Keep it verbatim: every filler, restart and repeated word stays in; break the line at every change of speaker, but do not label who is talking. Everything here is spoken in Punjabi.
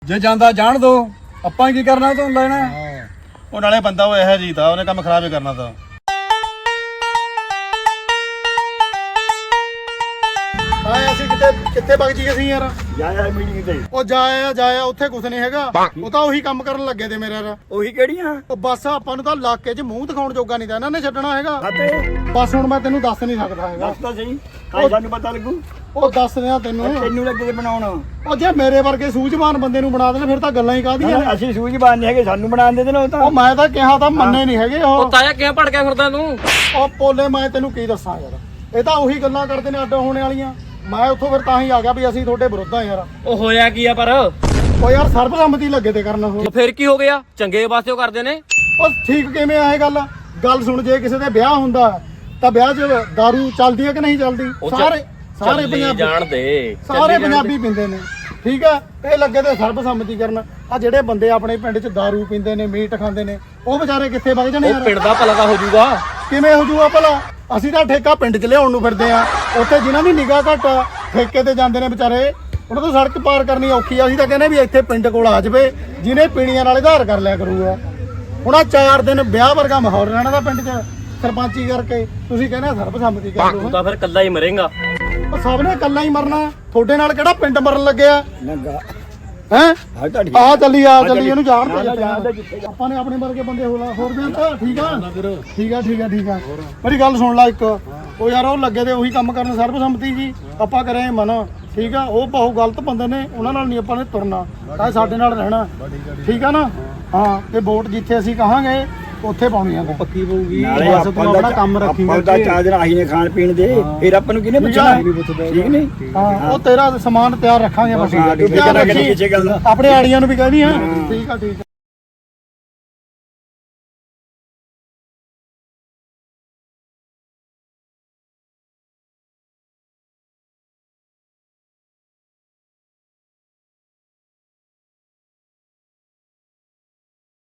ਜੇ ਜਾਂਦਾ ਜਾਣ ਦੋ, ਆਪਾਂ ਕੀ ਕਰਨਾ ਤੂੰ ਲੈਣਾ।
ਉਹ ਨਾਲੇ ਬੰਦਾ ਉਹ ਇਹੋ ਜੀ ਤਾਂ ਉਹਨੇ ਕੰਮ ਖਰਾਬ ਹੀ ਕਰਨਾ ਤਾਂ।
ਆਏ ਅਸੀਂ ਕਿਤੇ ਕਿੱਥੇ ਵਗ ਜੀ ਅਸੀਂ ਯਾਰ।
ਜਾਇਆ ਮੀਟਿੰਗ ਤੇ
ਉਹ ਜਾਇਆ ਜਾਇਆ ਉੱਥੇ ਕੁਝ ਨਹੀਂ ਹੈਗਾ, ਉਹ ਤਾਂ ਉਹੀ ਕੰਮ ਕਰਨ ਲੱਗੇ ਤੇ ਮੇਰੇ ਯਾਰ।
ਉਹੀ ਕਿਹੜੀਆਂ
ਉਹ ਬਸ ਆਪਾਂ ਨੂੰ ਤਾਂ ਇਲਾਕੇ 'ਚ ਮੂੰਹ ਦਿਖਾਉਣ ਜੋਗਾ ਨਹੀਂ ਤਾਂ ਇਹਨਾਂ ਨੇ ਛੱਡਣਾ ਹੈਗਾ।
ਅਤੇ
ਬਸ ਹੁਣ ਮੈਂ ਤੈਨੂੰ ਦੱਸ ਨਹੀਂ ਸਕਦਾ ਹੈਗਾ।
ਦੱਸ ਤਾਂ ਸਹੀ, ਕਾਹ ਸਾਨੂੰ ਪਤਾ ਲੱਗੂ।
ਉਹ ਦੱਸ ਦਿਆਂ ਤੈਨੂੰ।
ਤੈਨੂੰ ਲੱਗੇ ਤੇ ਬਣਾਉਣ
ਉਹ ਜੇ ਮੇਰੇ ਵਰਗੇ ਸੂਝਵਾਨ ਬੰਦੇ ਨੂੰ ਬਣਾ ਦੇਣ ਫਿਰ ਤਾਂ ਗੱਲਾਂ ਹੀ ਕਾਹਦੀਆਂ ਨੇ।
ਅਸੀਂ ਸੂਝਵਾਨ ਨਹੀਂ ਹੈਗੇ, ਸਾਨੂੰ ਬਣਾਉਣ ਦੇ ਦੇਣਾ ਉਹ ਤਾਂ।
ਉਹ ਮੈਂ ਤਾਂ ਕਿਹਾ ਤਾਂ ਮੰਨੇ ਨਹੀਂ ਹੈਗੇ ਉਹ।
ਤਾਇਆ ਕਿਵੇਂ ਭੜ ਗਿਆ ਫਿਰਦਾ ਤੂੰ?
ਉਹ ਪੋਲੇ ਮੈਂ ਤੈਨੂੰ ਕੀ ਦੱਸਾਂ ਯਾਰ, ਇਹ ਤਾਂ ਉਹੀ ਗੱਲਾਂ ਕਰਦੇ ਨੇ ਅੱਡ ਹੋਣੇ ਵਾਲੀਆਂ। ਮੈਂ ਉੱਥੋਂ ਫਿਰ ਤਾਂ ਹੀ ਆ ਗਿਆ ਵੀ ਅਸੀਂ ਤੁਹਾਡੇ ਵਿਰੁੱਧ ਆ ਯਾਰ।
ਉਹ ਹੋਇਆ ਕੀ ਆ ਪਰ?
ਉਹ ਯਾਰ ਸਰਬਸੰਮਤੀ ਲੱਗੇ ਤੇ ਕਰਨ ਉਹ।
ਫਿਰ ਕੀ ਹੋ ਗਿਆ? ਚੰਗੇ ਵਾਸਤੇ ਉਹ ਕਰਦੇ ਨੇ।
ਉਹ ਠੀਕ ਕਿਵੇਂ ਆ ਇਹ ਗੱਲ? ਗੱਲ ਸੁਣ, ਜੇ ਕਿਸੇ ਦੇ ਵਿਆਹ ਹੁੰਦਾ ਤਾਂ ਵਿਆਹ 'ਚ ਦਾਰੂ ਚੱਲਦੀ ਹੈ ਕਿ ਨਹੀਂ ਚੱਲਦੀ?
ਉਹ ਚ-
ਸਾਰੇ ਸਾਰੇ
ਚੱਲੀ
ਪੰਜਾਬੀ
ਜਾਣ ਦੇ
ਸਾਰੇ ਪੰਜਾਬੀ ਪੀਂਦੇ ਨੇ, ਠੀਕ ਆ। ਇਹ ਲੱਗੇ ਤੇ ਸਰਬਸੰਮਤੀ ਕਰਨ। ਆ ਜਿਹੜੇ ਬੰਦੇ ਆਪਣੇ ਪਿੰਡ 'ਚ ਦਾਰੂ ਪੀਂਦੇ ਨੇ, ਮੀਟ ਖਾਂਦੇ ਨੇ, ਉਹ ਵਿਚਾਰੇ ਕਿੱਥੇ ਵਗ ਜਾਣੇ
ਉਹ
ਯਾਰ?
ਪਿੰਡ ਦਾ ਭਲਾ ਤਾਂ ਹੋ ਜਾਊਗਾ।
ਕਿਵੇਂ ਹੋ ਜੂਗਾ ਭਲਾ? ਅਸੀਂ ਤਾਂ ਠੇਕਾ ਪਿੰਡ 'ਚ ਲਿਆਉਣ ਨੂੰ ਫਿਰਦੇ ਆ। ਉੱਥੇ ਜਿਨ੍ਹਾਂ ਦੀ ਨਿਗਾਹ ਘੱਟ ਆ, ਠੇਕੇ ਤੇ ਜਾਂਦੇ ਨੇ ਵਿਚਾਰੇ, ਉਹਨਾਂ ਤੋਂ ਸੜਕ ਪਾਰ ਕਰਨੀ ਔਖੀ ਆ। ਅਸੀਂ ਤਾਂ ਕਹਿੰਦੇ ਵੀ ਇੱਥੇ ਪਿੰਡ ਕੋਲ ਆ ਜਾਵੇ, ਜਿਹਨੇ ਪੀਣੀਆਂ ਨਾਲ ਆਧਾਰ ਕਰ ਲਿਆ ਕਰੂਗਾ। ਹੁਣ ਆ ਚਾਰ ਦਿਨ ਵਿਆਹ ਵਰਗਾ ਮਾਹੌਲ ਰਹਿਣਾ ਦਾ ਪਿੰਡ 'ਚ ਸਰਪੰਚੀ ਕਰਕੇ। ਤੁਸੀਂ ਕਹਿੰਦੇ ਸਰਬਸੰਮਤੀ ਕਰ
ਤੂੰ
ਲਓ।
ਤਾਂ ਫਿਰ ਕੱਲਾ ਹੀ ਮਰੇਗਾ।
ਉਹ ਸਭ ਨੇ ਇਕੱਲਾ ਹੀ ਮਰਨਾ। ਤੁਹਾਡੇ ਨਾਲ ਕਿਹੜਾ ਪਿੰਡ ਮਰਨ ਲੱਗਿਆ
ਨੰਗਾ
ਹੈ?
ਹਾਂ ਤੁਹਾਡੀ
ਆ ਚੱਲੀ ਆ ਚੱਲੀ, ਇਹਨੂੰ ਜਾਣ
ਨਾ, ਨਾ, ਜਾਣ
ਤੇ
ਦੇ ਜਿੱਥੇ
ਆਪਾਂ ਨੇ ਆਪਣੇ ਵਰਗੇ ਬੰਦੇ ਹੋਰ ਹੋਰ ਵੀ ਤਾਂ ਠੀਕ ਆ ਠੀਕ ਆ ਠੀਕ ਆ ਠੀਕ ਆ। ਮੇਰੀ ਗੱਲ ਸੁਣ ਲੈ ਇੱਕ। ਉਹ ਯਾਰ ਉਹ ਲੱਗੇ ਤੇ ਉਹੀ ਕੰਮ ਕਰਨ ਸਰਬਸੰਮਤੀ ਜੀ, ਆਪਾਂ ਕਰੇ ਮਨਾ, ਠੀਕ ਆ। ਉਹ ਬਹੁਤ ਗਲਤ ਬੰਦੇ ਨੇ, ਉਹਨਾਂ ਨਾਲ ਨਹੀਂ ਆਪਾਂ ਨੇ ਤੁਰਨਾ, ਤਾਂ ਸਾਡੇ ਨਾਲ ਰਹਿਣਾ, ਠੀਕ ਆ ਨਾ। ਹਾਂ, ਤੇ ਵੋਟ ਜਿੱਥੇ ਅਸੀਂ ਕਹਾਂਗੇ ਉੱਥੇ ਪਾਉਣੀ ਆ ਪੱਕੀ ਪਊਗੀ।
ਨਾਲੇ
ਬਸ ਤੂੰ ਆਪਣਾ ਕੰਮ ਰੱਖੀ
ਆਪਾਂ ਦਾ ਚਾਰ ਦਿਨ ਆਹੀ ਨੇ ਖਾਣ ਪੀਣ ਦੇ, ਫਿਰ ਆਪਾਂ ਨੂੰ ਕਿਹਨੇ ਪੁੱਛਣਾ? ਠੀਕ ਨਹੀਂ?
ਹਾਂ, ਉਹ ਤੇਰਾ ਸਮਾਨ ਤਿਆਰ ਰੱਖਾਂਗੇ ਬਸ।
ਹਾਂ, ਤੂੰ ਫਿਕਰ ਨਾ ਕਰੀ ਕਿਸੇ ਗੱਲ ਦਾ।
ਆਪਣੇ ਆੜੀਆਂ ਨੂੰ ਵੀ ਕਹਿ ਦੀ ਹਾਂ। ਠੀਕ ਆ ਠੀਕ ਆ।